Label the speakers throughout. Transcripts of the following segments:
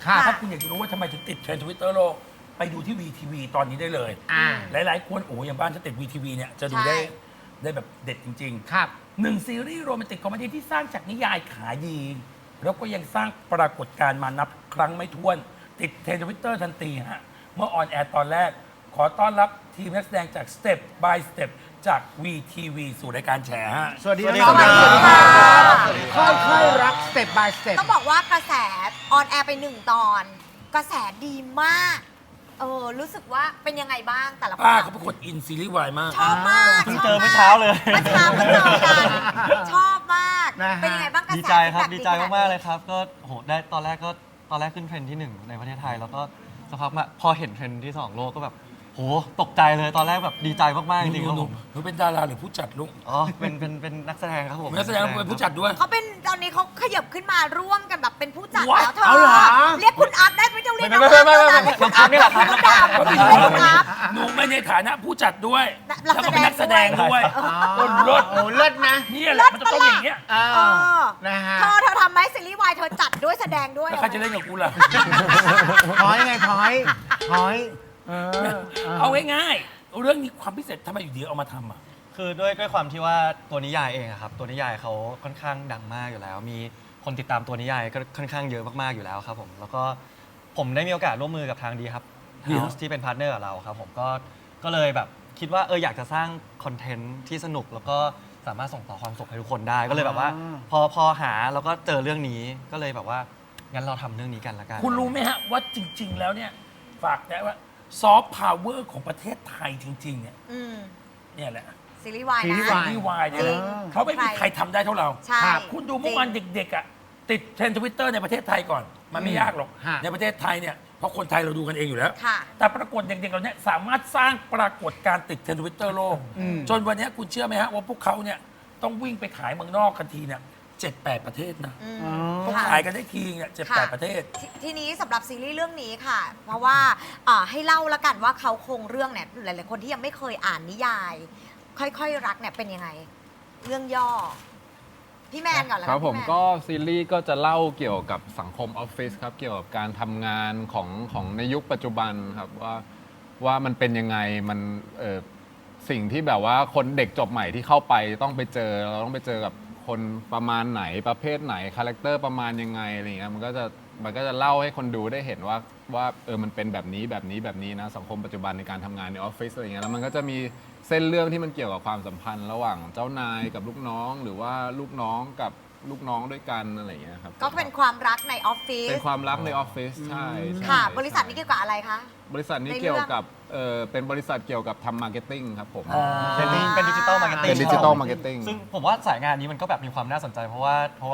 Speaker 1: ถ้าคุณอยากจะรู้ว่าทำไมถึงติดเทรนด์ทวิตเตอร์โลกไปดูที่ VTV ตอนนี้ได้เลยหลายๆคนโอ้อย่างบ้านฉันติด VTV เนี่ยจะดูได้แบบเด็ดจริงๆครับ1ซีรีส์โรแมนติกคอมเมดี้ที่สร้างจากนิยายขายดี แล้วก็ยังสร้างปรากฏการณ์มานับครั้งไม่ถ้วน ติดเทรนด์ทวิตเตอร์ทันทีฮะเมื่อออนแอร์ตอนแรก ขอต้อนรับทีมนักแสดงจาก Step by Step จาก VTV สู่รายการแฉฮะ
Speaker 2: สวัสดีครับ
Speaker 3: สวัสดีค่ะ
Speaker 2: ค่อยๆรัก Step by Step
Speaker 3: ต้องบอกว่ากระแสออนแอร์ไป1 ตอน กระแสดีมากรู้สึกว่าเป็นยังไงบ้างแต่ละคน
Speaker 1: ป้าเขาเป็นคนอินซีรีส์วายมาก
Speaker 3: ชอบมาก
Speaker 4: เพิ่งเจอเมื่อเช้าเลย
Speaker 3: เมื่อเช้าก็เจอกันชอบมาก
Speaker 2: นะฮะ
Speaker 3: เป็นยังไงบ้างกระแส
Speaker 4: ดีใจครับ
Speaker 3: feedback
Speaker 4: ดีใจมากๆเลยครับ ก็โหได้ตอนแรกขึ้นเทรนด์ที่ 1 ในประเทศไทย แล้วก็สักพักมาพอเห็นเทรนด์ที่ 2 โลกก็แบบโหตกใจเลยตอนแรกแบบดีใจมากๆจริงๆครับผม
Speaker 1: หนูเป็นดาราหรือผู้จัดลูก
Speaker 4: อ๋อเป็นนักแสดงครับผม
Speaker 1: นักแสดงเป็นผู้จัดด้วย
Speaker 3: เขาเป็นตอนนี้เขาขยับขึ้นมาร่วมกันแบบเป็นผู้จัด
Speaker 1: ว้า
Speaker 3: แล้วเธอ
Speaker 2: เอาเหรอ
Speaker 3: เรียกคุณอัพได้ไม่ต้องเรียก
Speaker 4: ไม่
Speaker 3: น้อง
Speaker 4: ไม่
Speaker 3: อัพ
Speaker 4: ไม่
Speaker 3: เรียกคุณอัพ
Speaker 4: นี่แหละครับ
Speaker 3: คุณดาวเรียกคุณอัพ
Speaker 1: หนูไม่ในฐานะผู้จัดด้วย
Speaker 3: นั
Speaker 1: แล้ว
Speaker 3: ก
Speaker 1: ก็
Speaker 3: แสดง
Speaker 1: เป็นนักแสดงด้วย รถ
Speaker 2: โอ้เลิศนะ
Speaker 1: นี่แหละมันจะต้องอย่างเงี้ย
Speaker 2: เอ
Speaker 3: เอ
Speaker 2: อ
Speaker 3: อ
Speaker 2: นะฮะ
Speaker 3: เธอทำไหมซีรีส์วายเธอจัดด้วยแสดงด้วย
Speaker 1: แล้วใครจะเล่นกับกูล่ะ
Speaker 2: พอยไงพอย
Speaker 1: เอาง่ายๆเรื่องนี้ความพิเศษทำไมอยู่ดีเอามาทำอ่ะ
Speaker 4: คือด้วยความที่ว่าตัวนิยายเองอะครับตัวนิยายเขาค่อนข้างดังมากอยู่แล้ว มีคนติดตามตัวนิยายก็ค่อนข้างเยอะมากๆอยู่แล้วครับผมแล้วก็ผมได้มีโอกาสร่วมมือกับทางดีครับ House ที่เป็นพาร์ทเนอร์กับเราครับผมก็เลยแบบคิดว่าอยากจะสร้างคอนเทนต์ที่สนุกแล้วก็สามารถส่งต่อความสุขให้ทุกคนได้ก็เลยแบบว่าพอหาแล้วก็เจอเรื่องนี้ก็เลยแบบว่างั้นเราทำเรื่องนี้กันละกัน
Speaker 1: คุณรู้ไหมฮะว่าจริง ๆ แล้วเนี่ยฝากได้ว่าซอฟต์พาวเวอร์ของประเทศไทยจริง ๆ เนี่ย
Speaker 3: อืม
Speaker 1: เนี่ยแหละ
Speaker 3: ซีรีส์วาย
Speaker 2: ซีรี
Speaker 3: นะ
Speaker 2: ส์วาย
Speaker 1: นี่วายเนี่ย
Speaker 3: จริง
Speaker 1: เขาไม่มีใครทำได้เท่าเรา
Speaker 3: ใช่
Speaker 1: คุณดูเมื่อวานเด็กๆอ่ะติดเทรนด์ทวิตเตอร์ในประเทศไทยก่อน มันไม่ยากหรอก
Speaker 2: ฮะ
Speaker 1: ในประเทศไทยเนี่ยเพราะคนไทยเราดูกันเองอยู่แล้ว
Speaker 3: ค่ะ
Speaker 1: แต่ปรากฏเด็กๆเราเนี่ยสามารถสร้างปรากฏการณ์ติดเทรนด์ทวิตเตอร์โลก จนวันนี้คุณเชื่อไหมฮะว่าพวกเขาเนี่ยต้องวิ่งไปขายเมืองนอกกันทีเนี่ย7-8 ประเทศนะ
Speaker 3: อืม
Speaker 1: เขา
Speaker 3: ค่ะ
Speaker 1: ขายกันได้ทีเนี่ย
Speaker 3: ค่ะ
Speaker 1: 7-8 ประเทศ
Speaker 3: ทีนี้สำหรับซีรีส์เรื่องนี้ค่ะ เพราะว่าให้เล่าละกันว่าเขาโครงเรื่องเนี่ยหลายๆคนที่ยังไม่เคยอ่านนิยาย ค่อยๆรักเนี่ยเป็นยังไง เรื่องย่อ พี่แมนก่อนแล้ว
Speaker 5: ครับผม
Speaker 3: พี่แน
Speaker 5: ก็ซีรีส์ก็จะเล่าเกี่ยวกับสังคมออฟฟิศครับเกี่ยวกับการทำงานของในยุคปัจจุบันครับว่ามันเป็นยังไงมันสิ่งที่แบบว่าคนเด็กจบใหม่ที่เข้าไปต้องไปเจอเราต้องไปเจอกับคนประมาณไหนประเภทไหนคาแรคเตอร์ประมาณยังไงอะไรเงี้ยมันก็จะเล่าให้คนดูได้เห็นว่ามันเป็นแบบนี้นะสังคมปัจจุบันในการทำงานในออฟฟิศอะไรเงี้ยแล้วมันก็จะมีเส้นเรื่องที่มันเกี่ยวกับความสัมพันธ์ระหว่างเจ้านายกับลูกน้องหรือว่าลูกน้องกับลูกน้องด้วยกันอะไรเงี้ยครับ
Speaker 3: ก็เป็นความรักในออฟฟิศ
Speaker 5: เป็นความรักในออฟฟิศใช่
Speaker 3: ค่ะ
Speaker 5: ใช่
Speaker 3: บริษัทนี้เกี่ยวกับอะไรคะ
Speaker 5: บริษัทนี้
Speaker 3: ในเรื่อง
Speaker 5: เกี่ยวกับเป็นบริษัทเกี่ยวกับทำมาร์เก็ตติ้งครับผม
Speaker 4: เป็นดิจิตอลมาร์เก็ตติ้ง
Speaker 5: เป็นดิจิตอลมาร์เก็ตติ้ง
Speaker 4: ซึ่งผมว่าสายงานนี้มันก็แบบมีความน่าสนใจเพราะว่า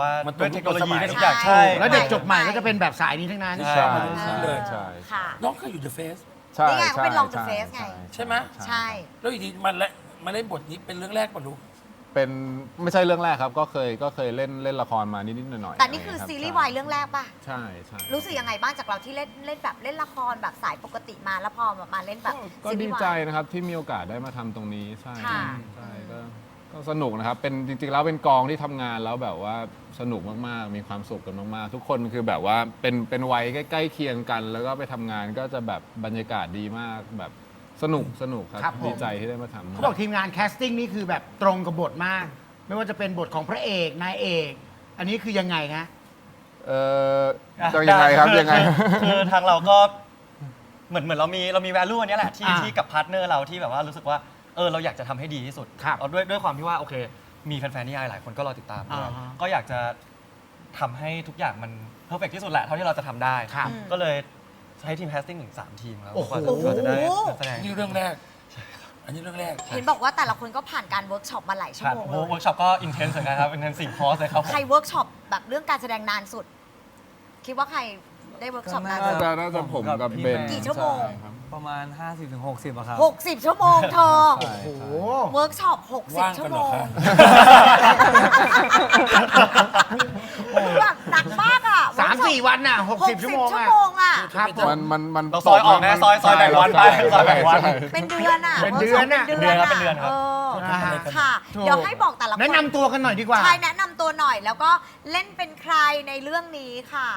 Speaker 1: มันตรง
Speaker 4: ด้วยเทคโนโลยี
Speaker 1: ยุคสมัย
Speaker 4: ด้วยทุกอย่าง
Speaker 3: ใช่
Speaker 4: ใช่
Speaker 2: แล้วเด็กจบใหม่ก็จะเป็นแบบสายนี้ทั้งนั้น
Speaker 4: ใช่
Speaker 5: ใช่
Speaker 1: เลย
Speaker 5: ใช่
Speaker 3: ค่ะ
Speaker 1: น้องเคยอยู่ The Face
Speaker 5: ใช่
Speaker 3: นี่ไงเขาเป็น
Speaker 5: ใช่
Speaker 3: Long the Face ไง
Speaker 1: ใช่ไหม
Speaker 3: ใช่
Speaker 1: แล้วอยู่ดีมาเล่นบทนี้เป็นเรื่องแรกป่ะลูก
Speaker 5: เป็นไม่ใช่เรื่องแรกครับก็เคยเล่นละครมานิดๆหน่อยๆ
Speaker 3: แต่นี่คือ
Speaker 5: รับ
Speaker 3: ซีรีส์วายเรื่องแรกป่ะ
Speaker 5: ใช่ใช่
Speaker 3: รู้สึกยังไงบ้างจากเราที่เล่นแบบเล่นละครแบบสายปกติมาแล้วพอมาเล่นแบบ
Speaker 5: ก็
Speaker 3: ซีรี
Speaker 5: ดี
Speaker 3: ส์วา
Speaker 5: ใจ
Speaker 3: ย
Speaker 5: นะครับที่มีโอกาสได้มาทำตรงนี้ใช่
Speaker 3: ค่ะ
Speaker 5: ใช่ก็สนุกนะครับเป็นจริงๆแล้วเป็นกองที่ทำงานแล้วแบบว่าสนุกมากๆมีความสุขกันมากๆทุกคนคือแบบว่าเป็นวัยใกล้ๆเคียงกัน แล้วก็ไปทำงานก็จะแบบบรรยากาศดีมากแบบสนุกครับ
Speaker 2: ครับผม
Speaker 5: ดีใจที่ได้มาทำ
Speaker 2: เขาบอกทีมงานแคสติ้งนี่คือแบบตรงกับบทมาก ไม่ว่าจะเป็นบทของพระเอกนายเอก อันนี้คือยังไงฮะ
Speaker 5: จะยังไงครับยังไง
Speaker 4: คือทางเราก็เหมือนเรามี value อันเนี้ยแหละที่
Speaker 2: อ่า
Speaker 4: ที่กับพาร์ทเนอร์เราที่แบบว่ารู้สึกว่าเราอยากจะทำให้ดีที่สุด
Speaker 2: ครับ
Speaker 4: เอาด้วยความที่ว่าโอเค มีแฟนๆนิยายหลายคนก็รอติดตามด้วย
Speaker 2: อ่าฮะ
Speaker 4: ก็อยากจะทำให้ทุกอย่างมันเพอร์เฟกที่สุดแหละเท่าที่เราจะทำได้
Speaker 2: ครับ
Speaker 4: ก็เลยใช้ทีมแคสติ้งถึง3ทีมแล้ว
Speaker 2: โอ้โห
Speaker 4: กว่าจะได้นักแสดง
Speaker 1: นี่เรื่องแรก อันนี้เรื่องแรก
Speaker 3: เห็นบอกว่าแต่ละคนก็ผ่านการเวิร์กช็อปมาหลายชั่ว
Speaker 4: ผ่าน
Speaker 3: โมง
Speaker 4: เวิ
Speaker 3: เลย
Speaker 4: ร์กช็อปก็อินเทนส์เหมือนกันครับอินเทนซีฟคอร์สเลยครับผม
Speaker 3: ใครเวิร์กช็อปแบบเรื่องการแสดงนานสุด คิดว่าใครได้เวิร์กช็อปนานสุด
Speaker 5: น่าจะผมกับเบน
Speaker 3: กี่ชั่วโมง
Speaker 5: ใครับ
Speaker 6: ประมาณ 50-60อะครับ
Speaker 3: 60 ชั่วโมงเธอ
Speaker 5: ใช่
Speaker 2: โอ้โห
Speaker 3: เวิร์กช็อป
Speaker 1: ว่าง
Speaker 3: 60 ชั่
Speaker 1: กั
Speaker 3: วน โม
Speaker 1: เหรอง คะ
Speaker 3: แบบหนักมากอ่ะ
Speaker 2: 3-4 วันน่ะ 60 ชั่วโมง
Speaker 3: ชั่ว
Speaker 2: อ่ะ
Speaker 3: โมงอ่ะ
Speaker 2: ครับผม
Speaker 5: มัน
Speaker 4: เราซอยออกนะซอยแบ่งวันไปซอยแบ่งวัน
Speaker 5: ใช่
Speaker 3: เป็นเดือนอ่ะ
Speaker 2: เป็นเดือนอะ
Speaker 3: วิร์กช็ปเป็นเดือนอะ
Speaker 4: เป็นเดือนครับ
Speaker 2: นะฮะ
Speaker 3: ค่ะ
Speaker 2: ถูก
Speaker 3: เดี๋ยวให้บอกแต่ละคน
Speaker 2: แนะนำตัวกันหน่อยดีกว่า
Speaker 3: ใช่แนะนำตัวหน่อยแล้วก็เล่นเป็นใครในเรื่องนี้ค่ะ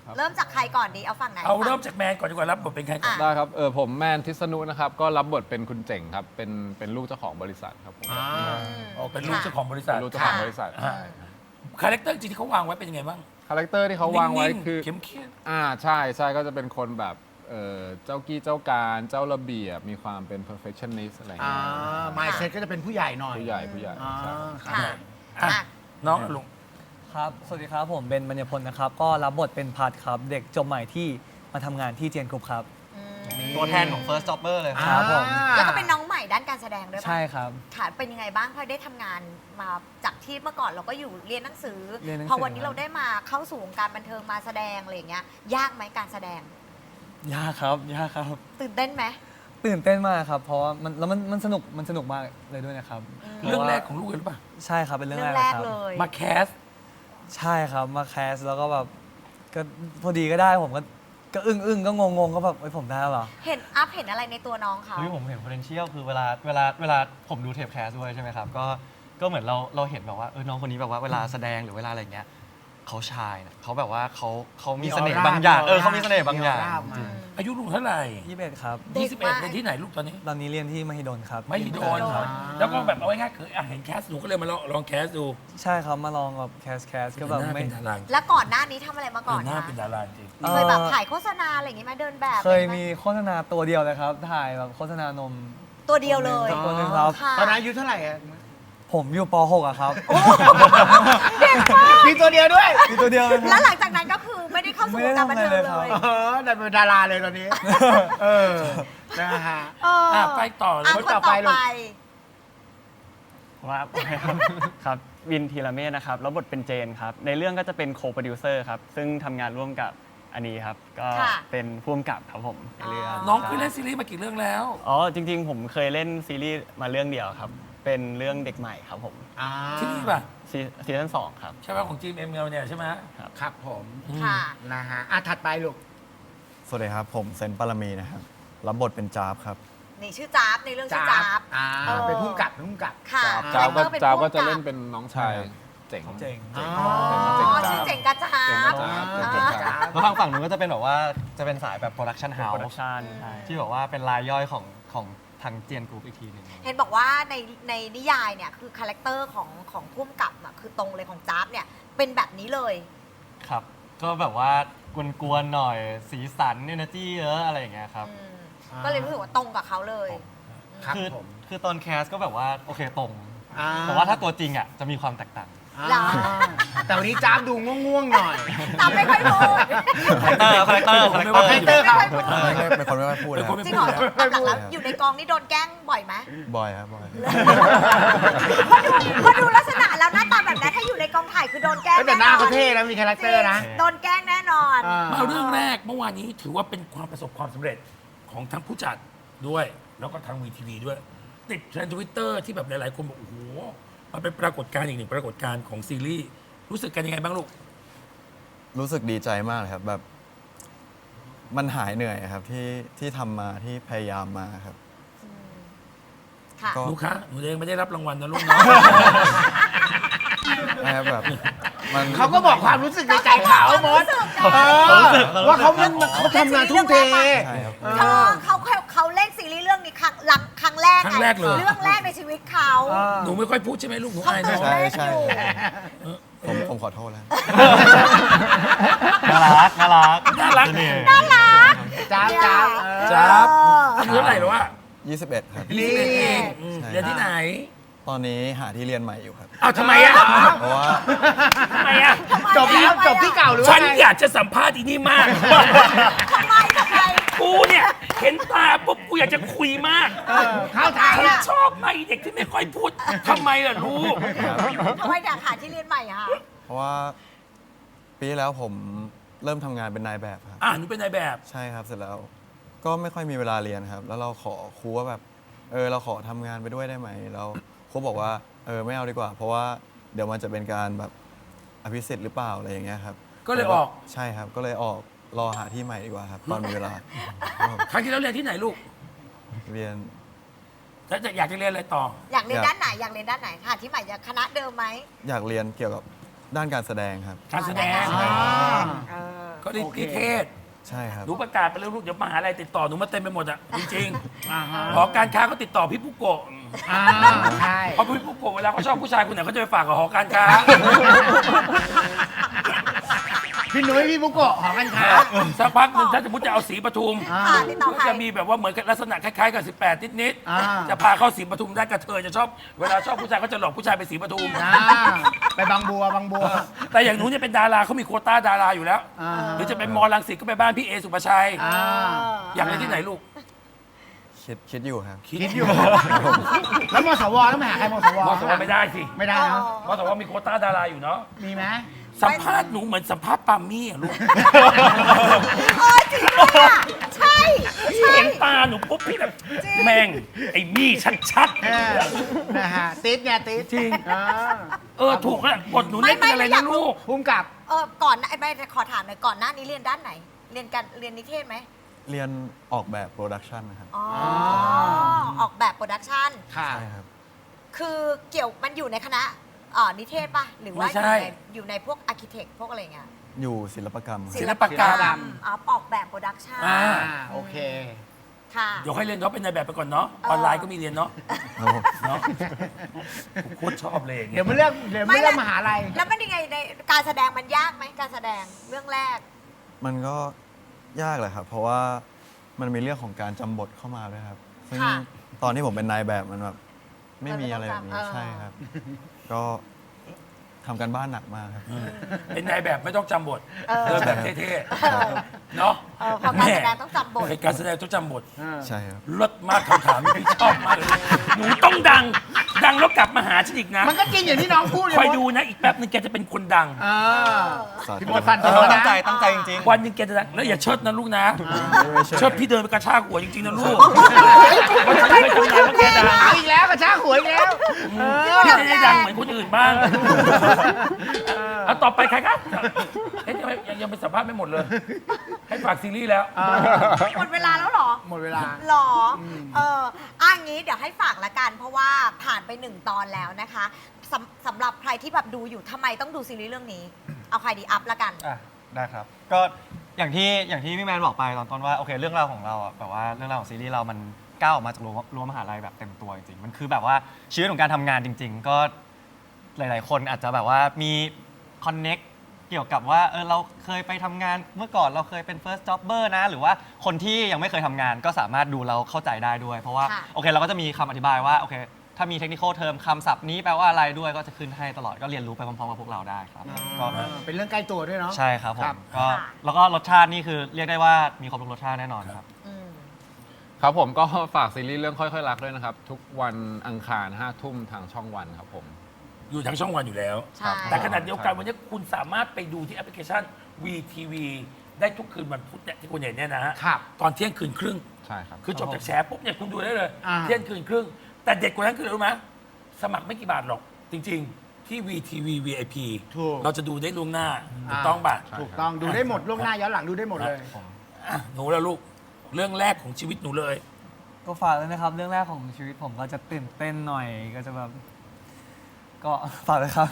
Speaker 5: ครับ
Speaker 3: เริ่มจากใครก่อนดีเอาฝั่งไหน
Speaker 1: เอา
Speaker 3: ฝั่ง
Speaker 1: เริ่มจากแมนก่อนดีกว่ารับบทเป็นใครก่อน
Speaker 5: ได้ครับผมแมนทิษณุนะครับก็รับบทเป็นคุณเจ๋งครับเป็นลูกเจ้าของบริษัทครับผม
Speaker 1: เป็นลูกเจ้าของบริษัท
Speaker 5: เป็นลูกเจ้าของบริษัท
Speaker 1: อ่าคาแรคเตอร์จริงที่เขาวางไว้เป็นยังไงบ้าง
Speaker 5: คาแรคเตอร์ที่เขาวางไว้
Speaker 1: นิ่ๆ
Speaker 5: คือ
Speaker 1: เข้มเข้ม
Speaker 5: ใช่ใช่ก็จะเป็นคนแบบเจ้ากี้เจ้าการเจ้าระเบียบมีความเป็น perfectionist อะไรอย่าง
Speaker 2: อ่า
Speaker 5: เงี้ย
Speaker 2: mindset ก็จะเป็นผู้ใหญ่หน่อย
Speaker 5: ผู้ใหญ่
Speaker 2: อ่า
Speaker 5: ใช่
Speaker 3: ค่ะ
Speaker 1: อ่ะ
Speaker 3: อ่ะ
Speaker 1: น้องลุง
Speaker 6: ครับ สวัสดีครับ ผมเป็นบัญญพลนะครับ ก็รับบทเป็นพัดครับ เด็กจบใหม่ที่มาทำงานที่เจียนกรุ๊ปครับ
Speaker 3: อืม
Speaker 4: ตัวแทนของ First Jobber เลยครับ
Speaker 6: ครับผม
Speaker 3: แล้วก็เป็นน้องใหม่ด้านการแสดงด้วยปะ
Speaker 6: ใช่ครับ
Speaker 3: ค่ะเป็นยังไงบ้างพอได้ทำงานมาจากที่เมื่อก่อนเราก็อยู่เรียนหนังสือ
Speaker 6: เรียนหนังสือ
Speaker 3: พอวันนี้เราได้มาเข้าสู่วงการบันเทิงมาแสดงอะไรอย่างเงี้ยยากไหมการแสดง
Speaker 6: ยากครับ ยากครับ
Speaker 3: ตื่นเต้นไหม
Speaker 6: ตื่นเต้นมากครับ เพราะว่ามันสนุกมากเลยด้วยนะครับ
Speaker 1: เรื่องแรกของลูกเลยหรือเปล่า
Speaker 6: ใช่ครับ เป็นเรื่อง
Speaker 3: เรื่อง
Speaker 6: แร
Speaker 3: แร
Speaker 6: ก
Speaker 3: ก
Speaker 6: ครับ
Speaker 3: เลย
Speaker 1: มาแคส
Speaker 6: ใช่ครับ มาแคสแล้วก็แบบก็พอดีก็ได้ผมก็อึ้งก็งงก็แบบผมได้เหรอ
Speaker 3: เห็นอัพเห็นอะไรในตัวน้องเขา
Speaker 4: เฮ้ยผมเห็น potential คือเวลาผมดูเทปแคสด้วยใช่ไหมครับ ก็เหมือนเราเห็นแบบว่าน้องคนนี้แบบว่าเวลาแสดงหรือเวลาอะไรอย่างเงี้ยเขาชายนะเขาแบบว่าเขามีเสน่ห์บางอย่างเขามีเสน่ห์บางอย่าง
Speaker 2: มีออร่าออกมา
Speaker 4: จริง
Speaker 1: อายุลุงเท่าไหร่
Speaker 6: 21ครับ
Speaker 3: เด็ก
Speaker 1: 21
Speaker 3: มาก
Speaker 1: เรียนที่ไหนลูกตอนนี้
Speaker 6: ตอนนี้เรียนที่มหิดลครับ
Speaker 1: ไม่โดน แล้วก็แบบเอาง่ายๆคือเห็นแคสหนูก็เลยมาลองแคสดู
Speaker 6: ใช่ครับ มาลองแบบแคสก็แบบ
Speaker 1: หน้า
Speaker 6: ไม่
Speaker 1: เป็นดารา
Speaker 3: แล้วก่อนหน้านี้ทำอะไรมาก่อน
Speaker 1: หน้า
Speaker 3: คะ
Speaker 1: เป็นดาราจริง
Speaker 3: เคยแบบถ่ายโฆษณาอะไรอย่างงี้ไหมเดินแบบ
Speaker 6: เคย
Speaker 3: อะไรไห
Speaker 6: มีโฆษณาตัวเดียวเลยครับ ถ่ายแบบโฆษณานม
Speaker 3: ตัวเดียวเลย
Speaker 6: ตัวหนึงครับ
Speaker 3: ค่ะ
Speaker 2: ตอนนั้นอายุเท่าไหร่อะ
Speaker 6: ผมอยู่ป .6 อะครับ
Speaker 3: เด็กมาก
Speaker 2: มีตัวเดียวด้วย
Speaker 6: มีตัวเดียวเลยค
Speaker 3: แล้
Speaker 6: รั
Speaker 3: ว
Speaker 6: บ
Speaker 3: หลังจากนั้นก็คือไม่ได้เข้าสู่วงการบันเทิง
Speaker 6: ไม่ได้
Speaker 3: เล
Speaker 6: ทำอะไร
Speaker 3: ย
Speaker 6: เลยครับ
Speaker 2: ได้เป็นดาราเลยตอนนี้ เออ นะฮะ
Speaker 3: เออ
Speaker 1: ไปต่อเลย
Speaker 3: คนต่อไป
Speaker 2: ลูก
Speaker 7: ครับ ครับวินทีละเมธนะครับแล้วบทเป็นเจนครับ ในเรื่องก็จะเป็นโคโปรดิวเซอร์ครับ ซึ่งทำงานร่วมกับอันนี้ครับ ก็
Speaker 3: ค่ะ
Speaker 7: เป็นผู้กำกับครับผมในเรื่อง
Speaker 1: น้องเคยเล่นซีรีส์มากี่เรื่องแล้ว
Speaker 7: อ๋อ จริง ๆ ผมเคยเล่นซีรีส์มาเรื่องเดียวครับ เป็นเรื่องเด็กใหม่ครับผม
Speaker 1: ที่นี่ป่ะ
Speaker 7: ซีซั่น2ครับ
Speaker 1: ใช่ไหมของจีมเอ็มเเนี่ยใช่ไหม
Speaker 2: ครับผม
Speaker 3: ค่ะ
Speaker 2: นะฮะถัดไปลูก
Speaker 8: สวัสดีครับ ผมเซนปารมีนะครับ รับบทเป็นจาบครับ
Speaker 3: นี่ชื่อจ๊าบในเรื่องชื่อจ๊าบ
Speaker 2: เป็นผู้กำกับ
Speaker 3: ค่ะ
Speaker 5: จ้าบก็
Speaker 3: ครคตอร์ป็น
Speaker 5: จ้าบ
Speaker 3: ผู้
Speaker 5: ก็จะ
Speaker 3: ำบ
Speaker 5: เล่นเป็นน้องชายเจ๋ง
Speaker 6: เจ๋ง
Speaker 2: อ๋อ
Speaker 3: อ๋อชื่อเจ๋งกระจ๊า
Speaker 5: เจ๋ง
Speaker 3: บ
Speaker 5: กระจ๊าบ
Speaker 3: อ่า
Speaker 5: เจ๋งกระจ๊าบ
Speaker 4: แล้วทางฝั่งนู้นก็จะเป็นแบบว่าจะเป็นสายแบบโปรดักชันเฮา
Speaker 7: โปรดัก
Speaker 4: ส์
Speaker 7: ชันใช่
Speaker 4: ที่แบบว่าเป็นรายย่อยของทางเจียนกรุ๊ปอีกทีหนึ่ง
Speaker 3: เห็นบอกว่าในนิยายเนี่ยคือคาแรคเตอร์ของผู้กำกับอะคือตรงเลยของจ๊าบเนี่ยเป็นแบบนี้เลย
Speaker 4: ครับ ก็แบบว่ากวนๆหน่อยสีสันเอเนอร์จีเยอะอะไรอย่างเงี้ยครับ
Speaker 3: อืมก็เลยรู้สึกว่าตรงกับเขาเลย
Speaker 2: ครับ
Speaker 4: คือ
Speaker 2: ผม
Speaker 4: คือตอนแคสก็แบบว่าโอเคตรง
Speaker 2: อ่
Speaker 4: แต่ว่าถ้าตัวจริงอ่ะจะมีความแตกต่าง
Speaker 3: เหรอ
Speaker 2: แต่วันนี้จ้าบดูง่วงๆหน่อย
Speaker 3: ตามไม่ค่อยพูด
Speaker 4: คาแรคเตอร์
Speaker 2: คาแรคเตอร์ครับ
Speaker 3: ไม่ค่อยพูด
Speaker 8: เป็นคนไม่ค่อยพูด
Speaker 1: เป็น
Speaker 8: นะค
Speaker 1: ค
Speaker 8: รั
Speaker 1: น
Speaker 8: บ
Speaker 1: ไม่
Speaker 3: จริง
Speaker 1: พู
Speaker 3: เหร
Speaker 1: ด
Speaker 3: อตามหลังแล้วอยู่ในกองนี่โดนแกล้งบ่อยไหม
Speaker 8: บ่อยครับบ่อย
Speaker 3: พอดูลักษณะแล้วหน้าตาแบบนั้นถ้าอยู่ในกองถ่ายคือโดนแกล้ง
Speaker 2: แต่หน้าเขาเท่นะมีคาแรคเตอร์นะ
Speaker 3: โดนแกล้งแน่นอน
Speaker 1: มาเรื่องแรกเมื่อวานนี้ถือว่าเป็นความประสบความสำเร็จของทั้งผู้จัดด้วย แล้วก็ทางวีทีวีด้วย ติดเทรนด์ทวิตเตอร์ที่แบบหลายๆ คนบอกโอ้โหมันเป็นปรากฏการณ์อีกหนึ่งปรากฏการณ์ของซีรีส์รู้สึกกันยังไงบ้างลูก
Speaker 8: รู้สึกดีใจมากเลยครับแบบ มันหายเหนื่อยครับที่ทำมาที่พยายามมาครับ
Speaker 3: ค่ะ
Speaker 8: ก็
Speaker 1: ลูกค้าหนูเองไม่ได้รับรางวัลนะลูกนะ
Speaker 8: นะครับแบบมัน
Speaker 2: เขาก็บอกความรู้สึกในใจเขามดว่าเขาทำงานทุ่มเท
Speaker 8: ใช่ครับ
Speaker 3: เขาเล่นซีรีส์เรื่องนี้ครั้งแรก
Speaker 1: ครั้งแรกเลย
Speaker 3: เรื่องแรกในชีวิตเขา
Speaker 1: หนูไม่ค่อยพูดใช่ไหมลูกหนู
Speaker 3: เขา
Speaker 1: อาย
Speaker 3: ตื่
Speaker 1: เนาะ
Speaker 3: นเต้น
Speaker 8: ใช่
Speaker 3: อยู่
Speaker 8: ผมขอโทษแล้ว
Speaker 4: น่ารัก
Speaker 1: น่ารัก
Speaker 4: น่ารัก
Speaker 2: จ้าบ
Speaker 1: จ้าบอายุเท่าไหร่แล้ววะ
Speaker 8: 21 ครับ
Speaker 2: นี่
Speaker 1: 21เองเรียนที่ไหน
Speaker 8: ตอนนี้หาที่เรียนใหม่อยู่ครับ
Speaker 1: อ้าวทำไมอ่ะ
Speaker 8: เพราะว่า
Speaker 1: ทำไมอ่ะ
Speaker 2: จบแล้วจบที่เก่าหรือ
Speaker 1: ฉั
Speaker 2: ว่าน ไง
Speaker 1: อยากจะสัมภาษณ์อีนี่มาก
Speaker 3: ทำไม
Speaker 1: กูเนี่ย เห็นตาปุ๊บกูอยากจะคุยมาก
Speaker 2: เข้าทาง
Speaker 1: ฉัน
Speaker 2: แล้ว
Speaker 1: ชอบไหมเด็กที่ไม่ค่อยพูดทำไมล่ะลูก
Speaker 3: ทำไมอยากหาที่เรียนใหม่อะคะ
Speaker 8: เพราะว่าปีที่แล้วผมเริ่มทำงานเป็นนายแบบครับ
Speaker 1: หนูเป็นนายแบบ
Speaker 8: ใช่ครับเสร็จแล้ว ก็ไม่ค่อยมีเวลาเรียนครับ แล้วเราขอครูว่าแบบเราขอทำงานไปด้วยได้ไหมแล้วครูบอกว่าไม่เอาดีกว่า เพราะว่าเดี๋ยวมันจะเป็นการแบบอภิสิทธิ์หรือเปล่าอะไรอย่างเงี้ยครับ
Speaker 1: ก็เลยออก
Speaker 8: ใช่ครับ ก็เลยออกรอหาที่ใหม่ดีกว่าครับตอนมีเวลา
Speaker 1: ครั้งที่แล้วเรียนที่ไหนลูก
Speaker 8: เรียน
Speaker 1: แล้วอยากจะเรียนอะไรต่อ
Speaker 3: อยากเรียนด้านไหนอยากเรียนด้านไหนค่ะที่ใหม่จะคณะเดิมไหม
Speaker 8: อยากเรียนเกี่ยวกับด้านการแสดงครับ
Speaker 1: การแสดง
Speaker 3: เออ
Speaker 1: ก็นิเทศ
Speaker 8: ใช่ครับ
Speaker 1: หนูประกาศไปแล้วลูกเดี๋ยวมหาลัยติดต่อหนูมาเต็มไปหมดอ่ะจริง
Speaker 2: อ่าฮะ
Speaker 1: ๆหอการค้าก็ติดต่อพี่ปุ๊กโกะ
Speaker 2: ใช่
Speaker 1: เพราะพี่ปุ๊กโกะเวลาเขาชอบผู้ชายคนไหนเขาจะไปฝากกับหอการค้า
Speaker 2: พี่นุ้ยพี่บุโกะหอการค้า
Speaker 1: สักพักหนึ่งถ้าสมมติจะเอาสีปทุม
Speaker 3: ค่ะติดต่อ
Speaker 1: ก็
Speaker 3: ใคร
Speaker 1: จะมีแบบว่าเหมือนกับลักษณะคล้ายๆกับ 18 นิด
Speaker 2: อ่า
Speaker 1: ๆจะพาเข้าสีปทุมได้กระเทยจะชอบเวลาชอบผู้ชายก็จะหลอกผู้ชายไปสีปทุม
Speaker 2: อ่าไปบางบัวบางบัว
Speaker 1: แต่อย่างหนูเนี่ยเป็นดาราเขามีโควต้าดาราอยู่แล้ว
Speaker 2: อ่า
Speaker 1: หรือจะเป็นมอลังสิตก็ไปบ้านพี่เอสุภาชัย
Speaker 2: อ่า
Speaker 1: อยากเรียนที่ไหนลูก
Speaker 8: คิดอยู่ครับ
Speaker 2: คิดอยู่ แล้วมสวต้องไปหาใครมสว
Speaker 1: มอสวไม่ได้สิ
Speaker 2: ไม่ได้นะ
Speaker 1: มอสวมีโควต้าดาราอยู่เนาะ
Speaker 2: มีไหม
Speaker 1: สัมภาษณ์หนูเหมือนสัมภาษณ์ปามี่อะลูก
Speaker 3: เออจริงด้วยอ่ะใช่
Speaker 1: พี่เห็นตาหนูปุ๊บพี่แบบแม่งไอ้มี่ชัด
Speaker 2: เออนะฮะติดไงติด
Speaker 1: จริง
Speaker 2: อ่า
Speaker 1: ๆถูกอะบทหนูเล่นเป็นอะไรนะลูก
Speaker 2: ภูมิกับ
Speaker 3: ก่อนหน้าไม่ขอถามหน่อยก่อนหน้านี้เรียนด้านไหน เรียนนิเทศไหม
Speaker 8: เรียนออกแบบโปรดักชันนะครับ
Speaker 3: อ๋อออกแบบโปรดักชัน
Speaker 2: ค่ะ
Speaker 8: ใช่ครับ
Speaker 3: คือมันอยู่ในคณะนิเทศป่ะ หรือว่า
Speaker 1: ไม่ใช่
Speaker 3: อยู่ในพวกอาร์เคเต็กพวกอะไรเงี้ย
Speaker 8: อยู่ศิลปกรรมครับ
Speaker 1: ศิลปกรรม
Speaker 3: ออกแบบโปรดักชัน
Speaker 1: อ่า
Speaker 2: โอเค
Speaker 3: ค่ะ
Speaker 1: เดี๋ยวค่อยเรียนเนาะเป็นนายแบบไปก่อนเนาะออนไลน์ก็มีเรียนเนาะ
Speaker 8: ครับผม
Speaker 1: เนาะโคตรชอบเลยอย่าง
Speaker 2: เดี๋
Speaker 1: เงี้
Speaker 2: ยวย มาเลือกมหาลัย
Speaker 3: แล้วมันยังไงในการแสดงมันยากไหมการแสดงเรื่องแรก
Speaker 8: มันก็ยากแหละครับ เพราะว่ามันมีเรื่องของการจำบทเข้ามาด้วยครับ ซึ่ง
Speaker 3: ค่ะ
Speaker 8: ตอนที่ผมเป็นนายแบบมันแบบไม่มีอะไรแบบนี้
Speaker 3: เออ
Speaker 8: ใช่ครับ ก็ทำกันบ้านหนักมากครับ
Speaker 1: เป็นนายแบบไม่ต้องจำบท
Speaker 3: เออ
Speaker 1: เดินแบบเท่ๆเนาะ
Speaker 3: พอการแสดงต้องจำบท
Speaker 1: ในการแสดงต้องจำบท
Speaker 8: ใช่ครับ
Speaker 1: เลิศมากคำถามนี้พี่ชอบมากเลยหนูต้องดังแล้วกลับมาหาฉันอีกนะ
Speaker 2: มันก็จริงอย่างที่น้องพูดเลย
Speaker 1: คอยดูนะอีกแป๊บนึงแกจะเป็นคนดัง
Speaker 2: อ่า
Speaker 8: สาธุ
Speaker 2: พี่มดฟันธ
Speaker 4: ตั้
Speaker 2: งแล้ว
Speaker 4: ง
Speaker 2: นะ
Speaker 4: ใจตั้งใจจริง
Speaker 1: วันหนึงแกจะดังแล้วอย่าเชิดนะลูกนะ
Speaker 8: ไม่ใช่
Speaker 1: เชิดพี่เดินไปกระชากหัวจริงๆนะลูกวันฉันเคยทำงานแล้วแกดัง
Speaker 2: เอาอีกแล้วกระชากหัวอีกแล้ว
Speaker 1: พี่จะได้ดังเหมือนคนอื่นบ้างเอาต่อไปใครครับเฮ้ยยังเป็นสัมภาษณ์ไม่หมดเลย ให้ฝากซีรีส์แล้ว
Speaker 3: หมดเวลาแล้วเหรอ
Speaker 2: หมดเวลา
Speaker 3: หรองี้เดี๋ยวให้ฝากละกัน เพราะว่าผ่านไป1 ตอนแล้วนะคะสำหรับใครที่แบบดูอยู่ทำไมต้องดูซีรีส์เรื่องนี้ เอาใครดีอัพละกัน
Speaker 4: อ่ะได้ครับ ก็อย่างที่พี่แมนบอกไปตอนต้นว่าโอเคเรื่องราวของเราอ่ะแบบว่าเรื่องราวของซีรีส์เรามันก้าวออกมาจากรั้วมหาลัยแบบเต็มตัวจริงๆมันคือแบบว่าชีวิตของการทำงานจริง ๆ ก็หลาย ๆ คนอาจจะแบบว่ามีคอนเน็กเกี่ยวกับว่าเราเคยไปทำงานเมื่อก่อนเราเคยเป็น first jobber นะ หรือว่าคนที่ยังไม่เคยทำงานก็สามารถดูเราเข้าใจได้ด้วย เพราะว่า
Speaker 3: ค่ะ
Speaker 4: โอเคเราก็จะมีคำอธิบายว่าโอเคถ้ามีเทคนิคเทอมคำศัพท์นี้แปลว่าอะไรด้วยก็จะขึ้นให้ตลอดก็เรียนรู้ไปพร้อมๆกับพวกเราได้ครับก็
Speaker 2: เป็นเรื่องใกล้ตัวด้วยเนาะ
Speaker 4: ใช่ครับผ
Speaker 2: ครั
Speaker 4: ม
Speaker 2: บ
Speaker 4: ก็แล้วก็รสชาตินี่คือเรียกได้ว่ามีครบทุกรสชาติแน่นอนครับ
Speaker 3: อืม
Speaker 5: ครับผมก็ฝากซีรีส์เรื่องค่อยๆรักด้วยนะครับ ทุกวันอังคาร5 ทุ่มทางช่องวันครับผม
Speaker 1: อยู่ทั้งช่องวันอยู่แล้ว
Speaker 3: ใช่
Speaker 1: แต่ขณะเดียวกันวันนี้คุณสามารถไปดูที่แอปพลิเคชัน VTV ได้ทุกคืนวันพุธเนี่ยที่คุณเห็นเนี่ยนะฮะ
Speaker 2: ครับ
Speaker 1: ตอนเที่ยงคืนครึ่ง
Speaker 5: ใช่ครับ
Speaker 1: คือจบจากแฉปุ๊บเนี่ยคุณดูได้เลย
Speaker 2: อ่า
Speaker 1: เที่ยงคืนครึ่ง แต่เด็ดกว่านั้นคืออะไรรู้ไหมสมัครไม่กี่บาทหรอก จริง ๆ ที่ VTV VIP
Speaker 2: ถูก
Speaker 1: เราจะดูได้ล่วงหน้าถูกต้องป่ะ
Speaker 5: ใช่
Speaker 2: ถูกต้องดูได้หมดล่วงหน้าย้อนหลังดูได้หมดเลย
Speaker 1: อ่ะหนูแล้วลูก เรื่องแรกของชีวิตหนูเลย
Speaker 6: ก็ฝากเลยนะครับ เรื่องแรกของชีวิตผมก็จะตื่นเต้นหน่อยก็จะแบบ ก็ฝากเลยครับ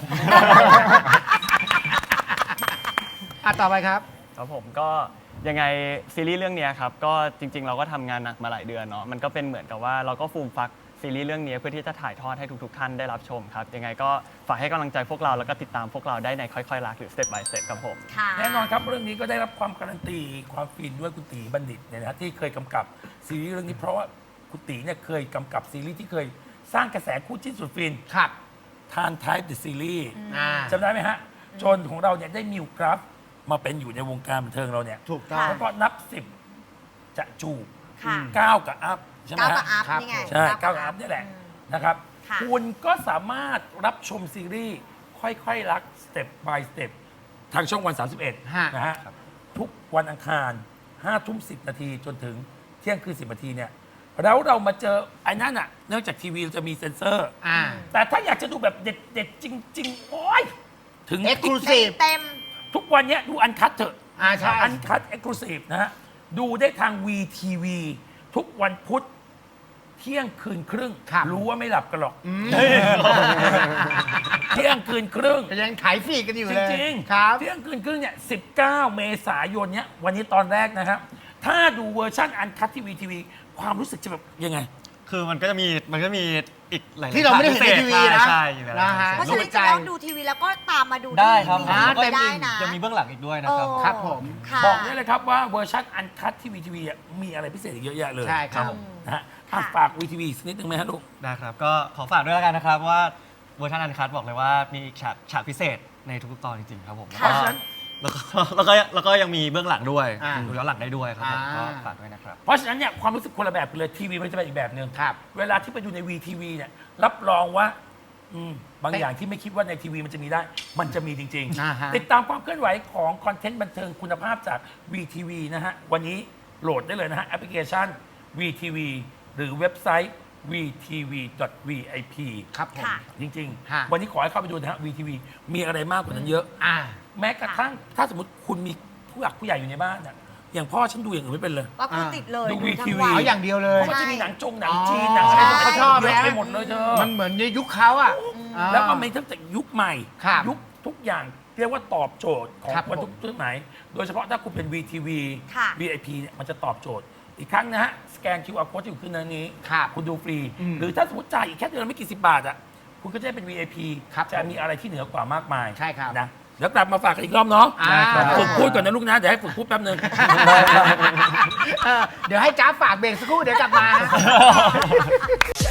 Speaker 2: ต่อไปครับ
Speaker 7: ครับผมก็ยังไงซีรีส์เรื่องเนี้ยครับก็จริง ๆ เราก็ทำงานหนักมาหลายเดือนเนาะมันก็เป็นเหมือนกับว่าเราก็ฟูมฟักซีรีส์เรื่องนี้เพื่อที่จะถ่ายทอดให้ทุกๆท่านได้รับชมครับยังไงก็ฝากให้กำลังใจพวกเราแล้วก็ติดตามพวกเราได้ในค่อยๆรักหรือ Step by Step ครับผม
Speaker 3: ค่ะ
Speaker 1: แน่นอนครับเรื่องนี้ก็ได้รับความการันตีความฟินด้วยคุณตีบัณฑิตเนี่ยนะฮะที่เคยกำกับซีรีส์เรื่องนี้เพราะว่าคุณตีเนี่ยเคยกำกับซีรีส์ที่เคยสร้างกระแสคู่จิ้นสุดฟิน
Speaker 2: ครับ
Speaker 1: ทานไทป์เดอะซีรีส์
Speaker 2: อ่า
Speaker 1: จำได้ไหมฮะ จนของเราเนี่ยได้มิวกราฟมาเป็นอยู่ในวงการบันเทิงเราเนี่ย
Speaker 2: ถูกต้อง
Speaker 1: แล้วก็นับ 10 จะจูบ
Speaker 3: ค่ะ
Speaker 1: 9 กับอัพใช่ไหม
Speaker 3: ก้าวกับ
Speaker 1: ฮะ
Speaker 3: อัพ
Speaker 2: ครับ
Speaker 3: นี่ไง
Speaker 1: ใช่9กับอัพนี่แหละนะครับ
Speaker 3: ค่ะ
Speaker 1: คุณก็สามารถรับชมซีรีส์ค่อยๆรัก Step by Step ทางช่องวัน 31
Speaker 2: ฮะ
Speaker 1: นะฮะทุกวันอังคาร5 ทุ่ม 10 นาทีจนถึงเที่ยงคืน 10 นาทีเนี่ยแล้วเรามาเจอไอ้นั่นอ่ะเนื่องจากทีวีเราจะมีเซ็นเซอร์
Speaker 2: อ่า
Speaker 1: แต่ถ้าอยากจะดูแบบเด็ดๆ จริง ๆ โอ้ยถึง
Speaker 2: Exclusive
Speaker 3: เต็ม
Speaker 1: ทุกวันเนี้ยดูอันคัดเถอะ
Speaker 2: ใช่
Speaker 1: อันคัดเอ็กซ์คลูซีฟนะฮะ ดูได้ทาง VTV ทุกวันพุธเที่ยงคืนครึ่ง
Speaker 2: ครับ
Speaker 1: รู้ว่าไม่หลับกันหรอกเที่ยงคืนครึ่ง
Speaker 2: แต่ยังขายฟรีกันอยู่
Speaker 1: จ
Speaker 2: เลย
Speaker 1: ริง
Speaker 2: ครับ
Speaker 1: เที่ยงคืนครึ่งเนี่ย19 เมษายนเนี่ยวันนี้ตอนแรกนะครับถ้าดูเวอร์ชันอันคัตที่วีทีวีความรู้สึกจะแบบยังไง
Speaker 4: คือมันก็จะมีอีกหลายๆ
Speaker 2: ที่เราไม่ได้เห็นในทีวีนะ
Speaker 4: ใช่อยู่แล้ว
Speaker 2: นะฮะ
Speaker 3: เพราะฉะนั้นจะต้องดูทีวีแล้วก็ตามมาดู
Speaker 4: ได้ครับ
Speaker 3: ที่
Speaker 2: อ่า
Speaker 3: วีทีวีได้นะ
Speaker 4: ยังมีเบื้องหลังอีกด้วยนะครับ
Speaker 3: โอ้
Speaker 2: ครับผม
Speaker 3: ค่ะ
Speaker 1: บอกได้เลยครับว่าเวอร์ชันอันคัตที่วีทีวีมีอะไรพิเศษอีกเยอะแยะเลย
Speaker 2: ใช่ครับ
Speaker 1: นะฮะ
Speaker 3: ค่ะ
Speaker 1: ฝากวีทีวีสักนิดนึงไหมฮะลูก
Speaker 4: ได้ครับ ก็ขอฝากด้วยแล้วกันนะครับว่าเวอร์ชันอันคัตบอกเลยว่ามีฉากพิเศษในทุกๆตอนจริงๆครับผม
Speaker 3: ค่ะ
Speaker 1: เพราะฉะนั้น
Speaker 4: แล้วก็ยังมีเบื้องหลังด้วย
Speaker 2: อ่า
Speaker 4: ดูย้อนหลังได้ด้วยครับผม
Speaker 2: อ่า
Speaker 4: ก็ฝากด้วยนะครับ
Speaker 1: เพราะฉะนั้นเนี่ยความรู้สึกคนละแบบกันเลยทีวีมันจะเป็นอีกแบบหนึ่ง
Speaker 2: ครับ
Speaker 1: เวลาที่ไปดูในวีทีวีเนี่ยรับรองว่าบางอย่างที่ไม่คิดว่าในทีวีมันจะมีได้ มันจะมีจริง
Speaker 2: อ่าฮะ
Speaker 1: ติดตามความเคลื่อนไหวของคอนเทนต์บันเทิงคุณภาพจาก VTV นะฮะ วันนี้โหลดได้เลยนะฮะ แอปพลิเคชัน VTV หรือเว็บไซต์ vtv.vip
Speaker 2: ครับผม
Speaker 3: ค่ะ
Speaker 1: จริง
Speaker 2: ฮะ
Speaker 1: ๆ วันนี้ขอให้เข้าไปดูนะฮะ VTV มีอะไรมากกว่านั้นเยอะ
Speaker 2: อ่า
Speaker 1: แม้กระทั่งถ้าสมมติคุณมีผู้หลักผู้ใหญ่อยู่ในบ้านน่ะอย่างพ่อฉันดูอย่างอื่นไม่เป็นเลย
Speaker 3: ก็คือติดเลย
Speaker 1: ดู
Speaker 3: ดูทั้ง
Speaker 1: VTV
Speaker 3: วัน
Speaker 2: เอาอย่างเดียวเลย
Speaker 1: เพราะมันจะมีหนังหนัง
Speaker 2: อ๋อ
Speaker 1: จีนหนังอะไรต่างๆ
Speaker 2: เขาชอบ
Speaker 1: เยอะ
Speaker 2: นะ
Speaker 1: ไปหมดเลยเธอ
Speaker 2: มันเหมือนในยุคเขาอ่ะอ่า
Speaker 1: แล้วก็มีตั้งแต่ยุคใหม่
Speaker 2: ครับ
Speaker 1: ยุคทุกอย่างเรียกว่าตอบโจทย์ของ
Speaker 2: ครับ
Speaker 1: คน
Speaker 2: ผม
Speaker 1: ทุกสมัยโดยเฉพาะถ้าคุณเป็น VTV
Speaker 3: ค่ะ
Speaker 1: VIP เนี่ยมันจะตอบโจทย์ อีกครั้งนะฮะ สแกน QR code ที่อยู่ขึ้นในนี้
Speaker 2: ครับ
Speaker 1: คุณดูฟรี
Speaker 2: อืม
Speaker 1: หรือถ้าสมมติจ่ายอีกแค่เดือนละไม่กี่สิบบาทอ่ะคุณก็จะได้เป็น VIP
Speaker 2: ครับ
Speaker 1: จะมีอะไรที่เหนือกว่ามากมาย
Speaker 2: ใช่ครับ
Speaker 1: นะเดี๋ยวกลับมาฝากกันอีกรอบเนาะ
Speaker 2: อ่า
Speaker 1: ฝึกพูดก่อนนะลูกนะ เดี๋ยวให้ฝึกพูดแป๊บนึง
Speaker 2: เดี๋ยวให้จ้าฝากเบรกสักครู่เดี๋ยวกลับมา